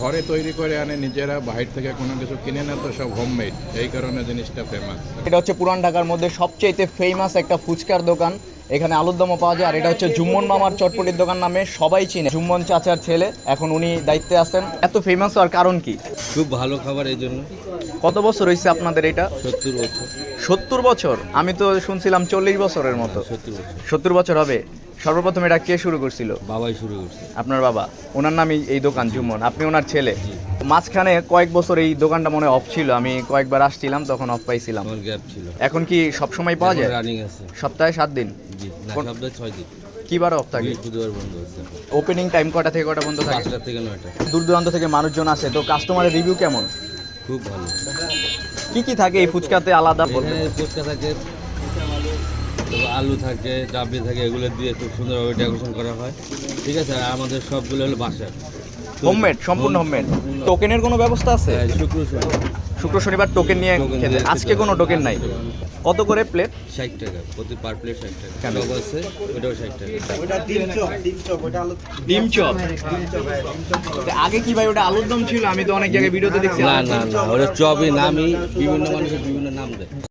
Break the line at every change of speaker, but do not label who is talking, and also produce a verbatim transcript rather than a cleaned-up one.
ঘরে তৈরি করে আনে নিজেরা, বাইরে থেকে কোনো কিছু কিনে না, তো সব হোমমেড, এই কারণে জিনিসটা ফেমাস।
এটা হচ্ছে পুরান ঢাকার মধ্যে সবচেয়ে ফেমাস একটা ফুচকার দোকান। এখানে আলুর দমও পাওয়া যায়। আর এটা হচ্ছে জুম্মন মামার চটপটির দোকান নামে সবাই চিনে। জুম্মন চাচার ছেলে, এখন উনি দায়িত্বে আছেন। এত ফেমাস হওয়ার কারণ কি?
খুব ভালো খাবার, এই জন্য।
কত বছর হয়েছে আপনাদের এটা?
সত্তর বছর।
সত্তর বছর? আমি তো শুনছিলাম চল্লিশ বছরের মতো।
সত্তর বছর।
সত্তর বছর হবে। সর্বপ্রথম এটা কে শুরু করছিল?
বাবাই শুরু করছে।
আপনার বাবা? ওনার নামই এই দোকান জুম্মন, আপনি ওনার ছেলে। মাঝখানে কয়েক বছর এই দোকানটা মনে অফ ছিল, আমি কয়েকবার আসছিলাম তখন অফ পাইছিলাম।
আমার গ্যাপ ছিল।
এখন কি সব সময় পাওয়া যায়?
রানিং আছে।
সপ্তাহে সাত দিন?
জি না,
কোন-
সপ্তাহে ছয় দিন।
কি বার অফ থাকে?
বৃহস্পতিবার বন্ধ আছে।
ওপেনিং টাইম কটা থেকে কটা বন্ধ থাকে?
পাঁচটা থেকে নয়টা।
দূর দূরান্ত থেকে মানুষজন আসে, তো কাস্টমারের রিভিউ কেমন?
খুব ভালো।
কি কি থাকে এই ফুচকাতে আলাদা বলতে?
এখানে ফুচকা থাকে, তারপর আলু থাকে, ডাবলি থাকে, এগুলো দিয়ে খুব সুন্দরভাবে ডেকোরেশন করা হয়। ঠিক আছে, আর আমাদের সবগুলো হলো বাসার
হোমমেড, সম্পূর্ণ হোমমেড। টোকেনের কোনো ব্যবস্থা আছে?
হ্যাঁ, শুক্র শনি
শুক্র শনিবার টোকেন নিয়ে
টোকেন
খেতে।
দিয়ে
আজকে
খেতে
কোনো
হবে।
টোকেন নাই? কত করে প্লেট?
ষাট টাকা প্রতি পার প্লেট, ষাট টাকা।
কেন?
চপ আছে, ওটাও ষাট টাকা।
ডিম চপ? আগে কি ভাই ওটা আলুর দম ছিল? আমি তো অনেক জায়গায় ভিডিওতে দেখছি।
না না না, ওটা চপই নামই, বিভিন্ন মানুষের বিভিন্ন নাম দেয়।